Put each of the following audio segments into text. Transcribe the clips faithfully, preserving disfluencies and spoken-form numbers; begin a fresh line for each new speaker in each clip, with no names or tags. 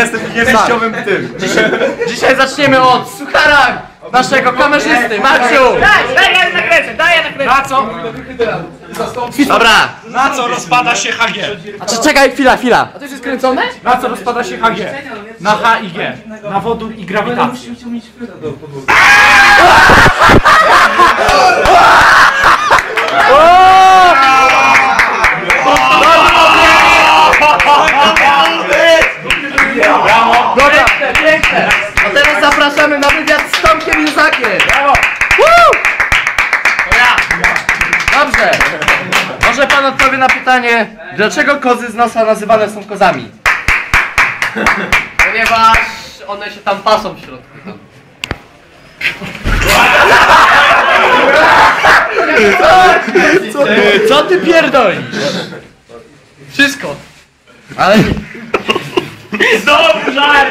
jestem niewejściowym tym.
Dzisiaj, dzisiaj zaczniemy od suchara naszego kamerzysty, Maciu!
Daj, daj, ja nakręcę, daj, ja nakręcę.
Na co?
Dobra!
Na co rozpada się H G?
A czy czekaj, chwila, chwila!
A to już jest kręcone?
Na co rozpada się H G? Na H i G. Na wodór i grawitację.
Dobra, piękne! A teraz zapraszamy na wywiad z Tomkiem Józakiem! Brawo! To ja! Dobrze! Może pan odpowie na pytanie, dlaczego kozy z nosa nazywane są kozami? Ponieważ one się tam pasą w środku. Co, co ty pierdolisz? Wszystko! Ale...
Znowu żart!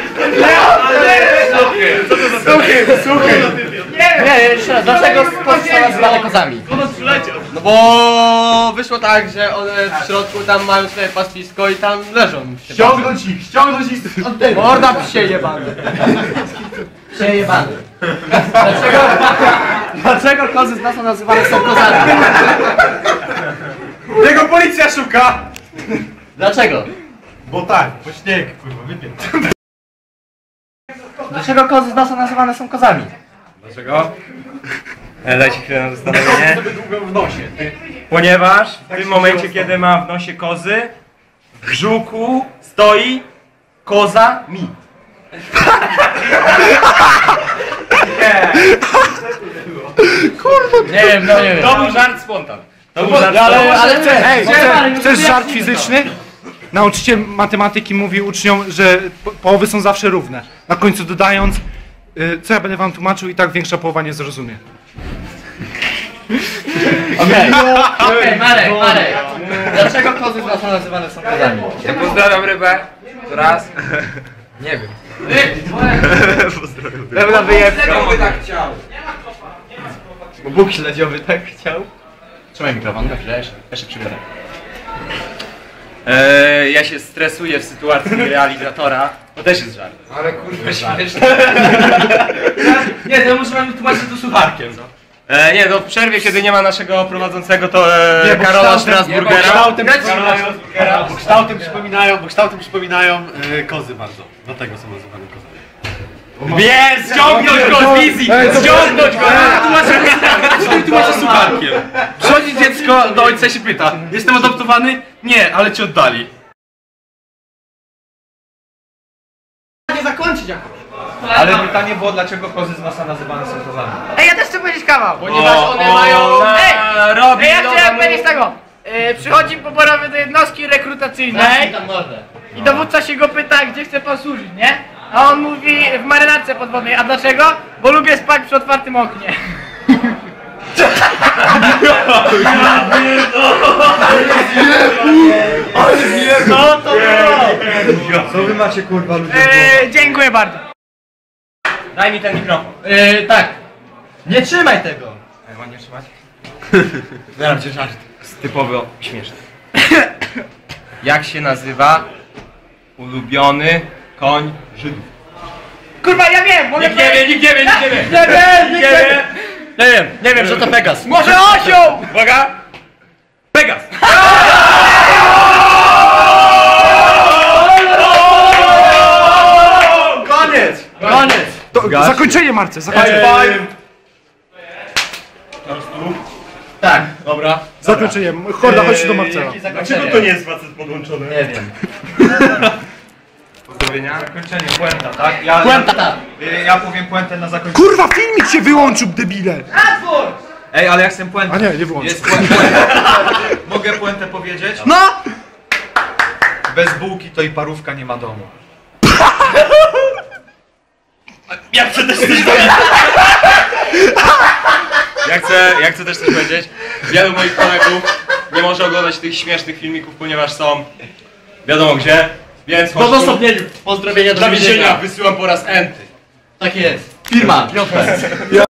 Słuchaj, słuchaj! Nie, nie, jeszcze raz, dlaczego kozy są nazywane kozami? No bo wyszło tak, że one w środku tam mają swoje pastwisko i tam leżą.
Ściągnąć ich, ściągnąć ich od tego.
Morda psie jebany. Psie jebany. Dlaczego, dlaczego kozy z nosa nazywane są kozami?
Tego policja szuka!
Dlaczego?
Bo tak, bo śnieg, kurwa, wypię.
Dlaczego kozy z nosa nazywane są kozami?
Dlaczego? E, Dajcie chwilę na zastanowienie.
sobie długo w nosie.
Ponieważ w tym momencie, kiedy mam w nosie kozy, w brzuchu stoi koza mi.
Nie wiem, no nie wiem.
To był żart spontan. To był żart
Ale,
spontan.
ale chcę,
Ej,
chcę,
chcesz, chcesz żart fizyczny? Nauczyciel matematyki mówi uczniom, że po- połowy są zawsze równe. Na końcu dodając, y, co ja będę wam tłumaczył i tak większa połowa nie zrozumie.
Okej, okej, Marek, Marek. Dlaczego kozy z nosa nazywane są kozami?
Ja pozdrawiam rybę. To raz. Nie wiem.
Pełna wyjebka.
Kto tak chciał?
Bo Bóg śledziowy tak chciał. Trzymaj mikrofon, na chwilę, jeszcze, jeszcze przybiorę.
E, ja się stresuję w sytuacji realizatora. To też jest żart.
Ale kurwa śmieszne.
Nie, to muszę wam tłumaczyć to sucharkiem. No. E, nie, no w przerwie, kiedy nie ma naszego prowadzącego, to e,
Nie, bo
Karola
kształtem-
Strasburgera.
nie, bo kształtem-
Karola Strasburgera.
Bo kształtem przypominają, bo kształtem przypominają yy, kozy bardzo. Dlatego są nazywane kozami.
Wie, ściągnąć go z wizji! Ściągnąć go!
Tłumaczę sucharkiem. Przychodzi dziecko do ojca i się pyta: jestem adoptowany? Nie, ale cię oddali.
Nie zakończyć jakoś.
Ale pytanie było, dlaczego kozy z nosa nazywane są kozami?
Ej, ja też chcę powiedzieć kawał.
Ponieważ one
O,
mają...
Ej!
robi
Ej, ja
do
chciałem
domu-
powiedzieć tego. Yy, przychodzi poborowy do jednostki rekrutacyjnej
tam mordę.
i dowódca się go pyta, gdzie chce pan służyć, nie? A on mówi w marynarce podwodnej. A dlaczego? Bo lubię spać przy otwartym oknie.
No to było!
Co wy macie kurwa ludzie?
Yy, dziękuję bardzo.
Daj mi ten mikrofon.
Yy, tak. Nie trzymaj tego.
Ej, mam nie trzymać? Zaraz cię żart. Typowo śmieszny. Jak się nazywa ulubiony koń Żydów?
Kurwa, ja wiem, mogę
Nikt nie wie, nikt nie wie, nikt nie wie!
Nie wiem,
Nikt nie wie!
Nie wiem, nie wiem, że to Pegas.
Może osioł!
Uwaga! Pegas!
Koniec!
Koniec.
To, zakończenie, Marce, zakończenie.
Tak, dobra.
Zakończenie. Horda, chodź do Marcela.
Dlaczego to nie jest?
jest facet podłączony?
Nie wiem.
Pozdrowienia.
Zakończenie, puenta, tak? Ja,
Puenta, tak.
ja, ja powiem puentę na zakończenie.
Kurwa, filmik się wyłączył, debile!
Ej, ale ja chcę puentę.
A nie, nie wyłączył.
Jest puenta. Mogę puentę powiedzieć?
No!
Bez bułki to i parówka nie ma domu.
Ja chcę też coś powiedzieć. Ja chcę, ja chcę też coś powiedzieć. Wielu moich kolegów nie może oglądać tych śmiesznych filmików, ponieważ są wiadomo gdzie, więc
W odosobnieniu. Pozdrowienia do
dla więzienia
więzienia.
wysyłam po raz enty.
Tak jest. Firma, J P.